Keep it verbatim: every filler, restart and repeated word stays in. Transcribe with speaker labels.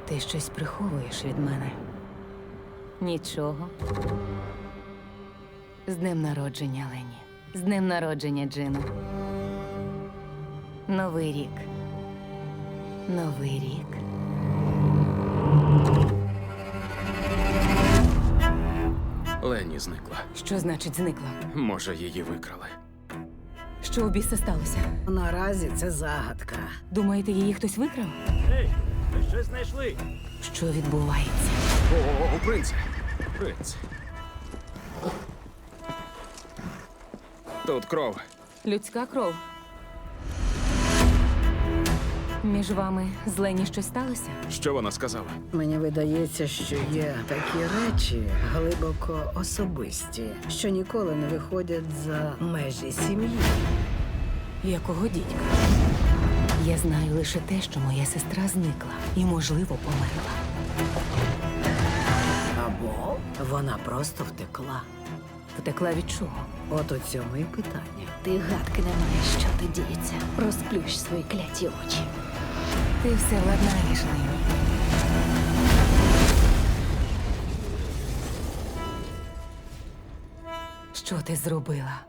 Speaker 1: Ти щось приховуєш від мене. Нічого. З днем народження, Лені. З днем народження, Джину. Новий рік. Новий рік.
Speaker 2: Лені зникла.
Speaker 1: Що значить зникла?
Speaker 2: Може, її викрали.
Speaker 1: Що у біса сталося?
Speaker 3: Наразі це загадка.
Speaker 1: Думаєте, її хтось викрав?
Speaker 4: Ей, ви щось знайшли?
Speaker 1: Що відбувається?
Speaker 2: О, принце! Принц. Тут кров.
Speaker 1: Людська кров. Між вами з Лені щось сталося?
Speaker 2: Що вона сказала?
Speaker 3: Мені видається, що є такі речі глибоко особисті, що ніколи не виходять за межі сім'ї.
Speaker 1: Якого дідька? Я знаю лише те, що моя сестра зникла і, можливо, померла.
Speaker 3: Або вона просто втекла.
Speaker 1: Втекла від чого?
Speaker 3: От у цьому і питання.
Speaker 5: Ти гадки не маєш, що тут діється. Розплющ свої кляті очі.
Speaker 1: Ти все владнаєш, Лені. Що ти зробила?